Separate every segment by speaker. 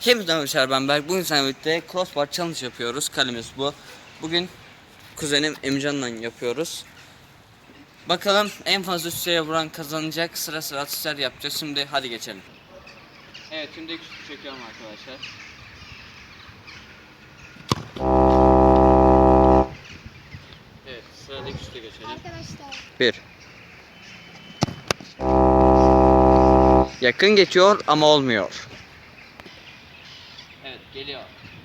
Speaker 1: Hepinize merhaba, ben Berk. Bugün seninle birlikte crossbar challenge yapıyoruz. Kalemiz bu. Bugün kuzenim Emcan'la yapıyoruz. Bakalım en fazla üsteye vuran kazanacak. Sıra sıra atışlar yapacağız. Şimdi hadi geçelim. Evet, şimdi ilk şutu çekiyorum arkadaşlar. Evet, sıradaki şutu geçelim.
Speaker 2: Arkadaşlar.
Speaker 1: 1. Yakın geçiyor ama olmuyor. Evet, geliyor.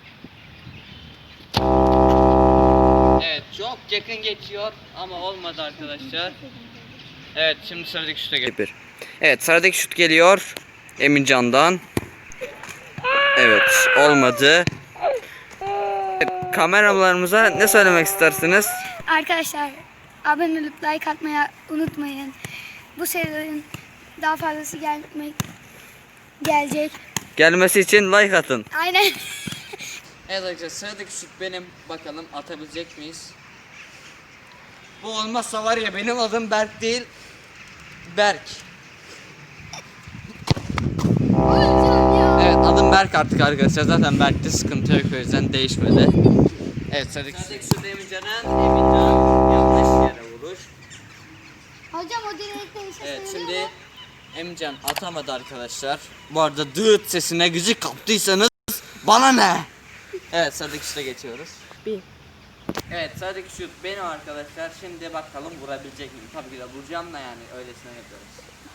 Speaker 1: Evet, çok yakın geçiyor ama olmadı arkadaşlar. Evet, şimdi sıradaki şuta geliyor. Evet, sıradaki şut geliyor Emincan'dan. Evet, olmadı. Evet, kameralarımıza ne söylemek istersiniz?
Speaker 2: Arkadaşlar abone olup like atmayı unutmayın. Bu serinin daha fazlası gelecek.
Speaker 1: Gelmesi için like atın.
Speaker 2: Aynen.
Speaker 1: Evet arkadaşlar, sıradaki şut benim. Bakalım atabilecek miyiz? Bu olmazsa var ya, benim adım Berk değil, Berk. Evet, adım Berk artık arkadaşlar. Zaten Berk'te sıkıntı yok, o yüzden değişmedi. Evet, sıradaki şut Emincan yanlış yere vuruş.
Speaker 2: Hocam o direkte işe
Speaker 1: Evet,
Speaker 2: sayılıyor
Speaker 1: şimdi
Speaker 2: mu?
Speaker 1: Emincan atamadı arkadaşlar. Bu arada dıt sesine gıcık kaptıysanız bana ne? Evet, sıradaki şuta geçiyoruz. Evet, sıradaki şut benim arkadaşlar. Şimdi bakalım vurabilecek miyim? Tabii ki de vuracağım da, yani öylesine yapıyoruz.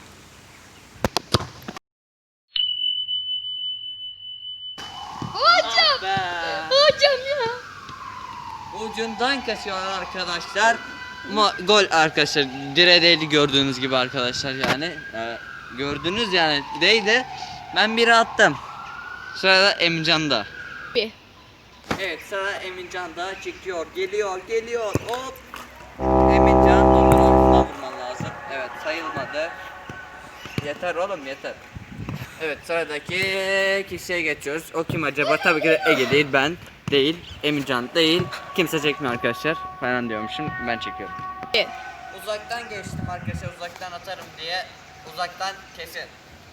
Speaker 2: Hocam.
Speaker 1: Ah be.
Speaker 2: Hocam ya.
Speaker 1: Ucundan kaçıyorlar arkadaşlar. Ama gol arkadaşlar. Direğe değdi gördüğünüz gibi arkadaşlar yani. Gördünüz yani değdi. Ben biri attım. Sırada Emincan'da. Evet, sıra Emincan'da çekiyor. Geliyor. Hop. Emincan onun altına vurman lazım. Evet, sayılmadı. Yeter oğlum, yeter. Evet, sıradaki kişiye geçiyoruz. O kim acaba? Tabii ki de Ege değil, ben değil, Emincan değil. Kimse çekmiyor arkadaşlar. Falan diyormuşum. Ben çekiyorum. Uzaktan geçtim arkadaşlar. Uzaktan atarım diye. Uzaktan kesin.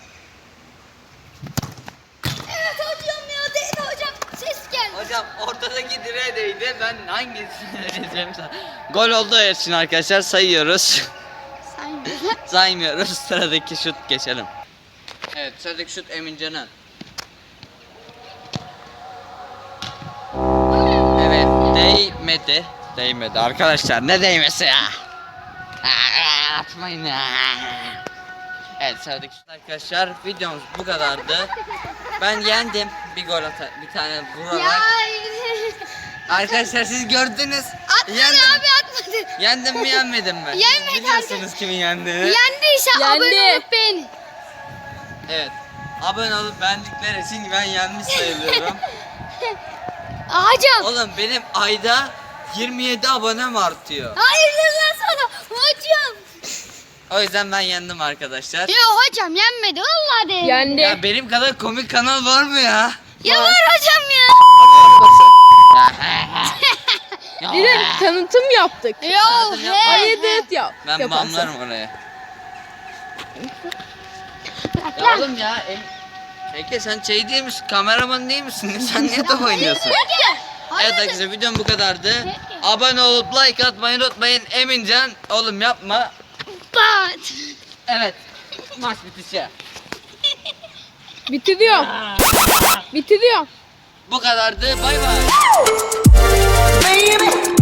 Speaker 2: Evet hocam ya, değil hocam. Ses geldi.
Speaker 1: Hocam ortadaki direğe değdi. Ben hangisini diyeceğim sana? Gol olduğu için arkadaşlar sayıyoruz. Saymıyoruz. Sıradaki şut geçelim. Evet, sıradaki şut Emincan'ın. Evet, değmedi arkadaşlar. Ne değmesi ya? Atmayın ya. Evet, sıradaki şut arkadaşlar. Videomuz bu kadardı. Ben yendim. Bir gol bir tane vurarak.
Speaker 2: Ya.
Speaker 1: Arkadaşlar siz gördünüz.
Speaker 2: Atmadı
Speaker 1: Yendim.
Speaker 2: abi, atmadı.
Speaker 1: Yendim mi yenmedim mi?
Speaker 2: Yenmedi
Speaker 1: Biliyorsunuz kimin yendiğini.
Speaker 2: Yendiyse abone olup beğenin.
Speaker 1: Evet. Abone olup beğendikleri için ben yenmiş sayılıyorum.
Speaker 2: Hocam.
Speaker 1: Oğlum benim ayda 27 abonem artıyor.
Speaker 2: Hayırlı sana hocam.
Speaker 1: O yüzden ben yendim arkadaşlar.
Speaker 2: Ya hocam yenmedi vallahi de.
Speaker 3: Yendi.
Speaker 1: Ya benim kadar komik kanal var mı ya?
Speaker 2: Ya var hocam ya.
Speaker 3: Bir de tanıtım yaptık.
Speaker 2: Ya
Speaker 3: Ayırt yap.
Speaker 1: Ben
Speaker 3: yaparsın.
Speaker 1: banlarım oraya. Ya oğlum ya. Ege sen şey değil misin? Kameraman değil misin? Sen niye top oynuyorsun? Evet arkadaşlar, videom bu kadardı. Abone olup like atmayı unutmayın. Emincan oğlum yapma.
Speaker 2: Bat.
Speaker 1: Evet. Maç bitişi.
Speaker 3: Bitiriyorum.
Speaker 1: Bu kadardı. Bay bay.
Speaker 4: Baby